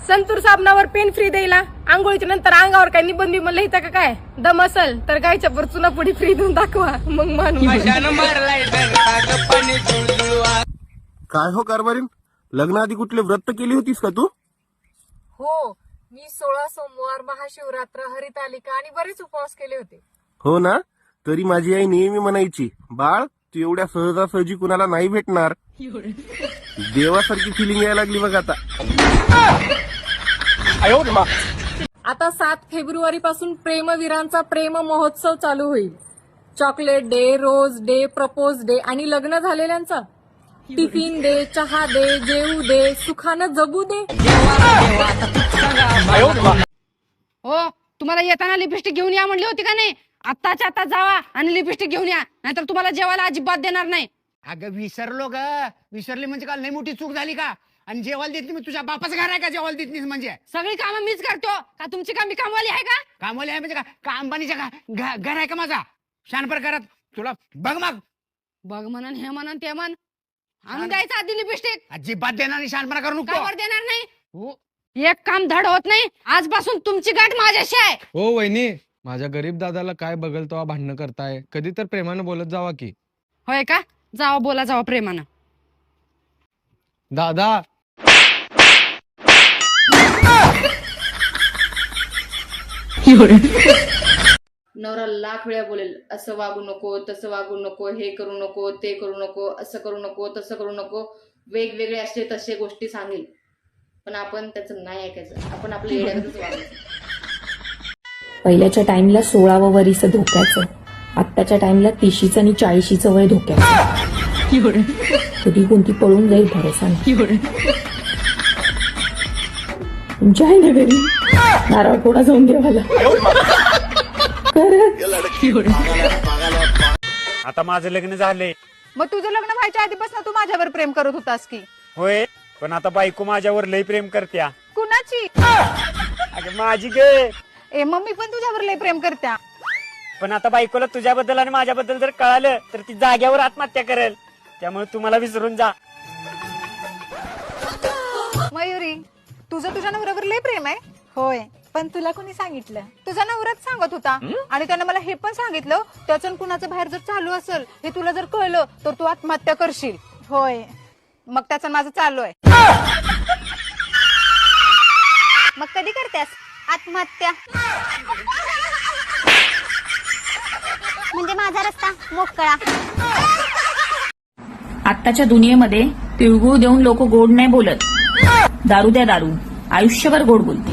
Santoor साबणावर pain free द्यायला, आंघोळीच्या नंतर अंगावर काय निबंध बिबंध लिहिता का काय? दम असल तर गायच्या पर चुनापुडी फ्री देऊन दाखवा, मग मानू. काय हो कारभारीन, लग्नाआधी कुठले व्रत केली होतीस का तू? हो, मी 16 सोमवार, महाशिवरात्र, हरितालिका आणि बरेच उपवास केले होते. हो ना, तरी माझी आई नेहमी म्हणायची, बाळ तू एवढ्या सहजासहजी कुणाला नाही भेटणार. देवासारखी फिलिंग यायला लागली बघ आता. आता 7 फेब्रुवारी पासून प्रेमवीरांचा प्रेम महोत्सव चालू होईल. Chocolate day, rose day, propose day आणि लग्न झालेल्यांचा टिफिन दे, चहा दे, जेवू दे, सुखानं जगू दे. हो, तुम्हाला येताना लिपस्टिक घेऊन या म्हणली होती का नाही? आत्ताच्या आता जावा आणि लिपस्टिक घेऊन या, नाहीतर तुम्हाला जेवायला अजिबात देणार नाही. अगं विसरलो ग, विसरली म्हणजे काल लई मोठी चूक झाली का? आणि जेवायला देत नाही, मी तुझ्या बापाचं घर आहे का जेवायला देत नाहीस म्हणजे? सगळी कामं मीच करतो का? तुमची काम मी कामवाली आहे का? कामवाली आहे म्हणजे का अंबानीच्या घर आहे का माझा? शान प्रकारात तुला बघ मग. बघ म्हणन, हे म्हणन, ते म्हण, आणून द्यायचं आधी लिपस्टिक. अजिबात देणार नाही, शानपणा करू नको. कावर देणार नाही? हो. एक काम धड होत नाही. आजपासून तुमची गाठ माझ्याशी आहे. हो वहिनी, माझ्या गरीब दादाला काय बघल तेव्हा भांडणं करताय, कधी तर प्रेमानं बोलत जावा की. होय का? जावा, बोला जावा प्रेमानं. दादा नवरा लाख वेळा बोलेल, असं वागू नको, तसं वागू नको, हे करू नको, ते करू नको, असं करू नको, तसं करू नको, वेगवेगळे असे तसे गोष्टी सांगेल, पण आपण त्याचं नाही ऐकायचं. आपण आपल्या येड्यातच वागायचं. पहिल्याच्या टाइमला 16वं वरीस धोक्याचं, आत्ताच्या टाइमला 30चं आणि 40चं वय धोक्याचं. कधी कोणती पळून जाईल भरोसा नाही. तुमच्या आहे ना घरी नारळ थोडा जाऊन देवाला. आता माझं लग्न झालंय. मग तुझं लग्न व्हायच्या आधीपासून तू माझ्यावर प्रेम करत होतास की? होय, पण आता बायको माझ्यावर लय प्रेम करत्या. कुणाची? अगं माझी गे. ए मम्मी पण तुझ्यावर लय प्रेम करत्या. पण आता बायकोला तुझ्याबद्दल आणि माझ्याबद्दल जर कळालं तर ती जाग्यावर आत्महत्या करेल. त्यामुळे तू मला विसरून जा. मयुरी, तुझं तुझ्या नवऱ्यावर लय प्रेम आहे? होय, पण तुला कोणी सांगितलं? तुझा नवराच सांगत होता. आणि त्यानं मला हे पण सांगितलं, त्याचं कुणाचं बाहेर जर चालू असेल हे तुला जर कळलं तर तू आत्महत्या करशील. होय, मग त्याचं माझं चालू आहे. मग कधी करतेस आत्महत्या? म्हणजे माझा रस्ता मोकळा. आत्ताच्या दुनियेमध्ये तिळगुळ देऊन लोक गोड नाही बोलत. दारू द्या दारू, आयुष्यभर गोड बोलते.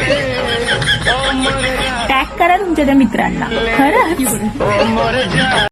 टॅग करा तुमच्या त्या मित्रांना. खरंच.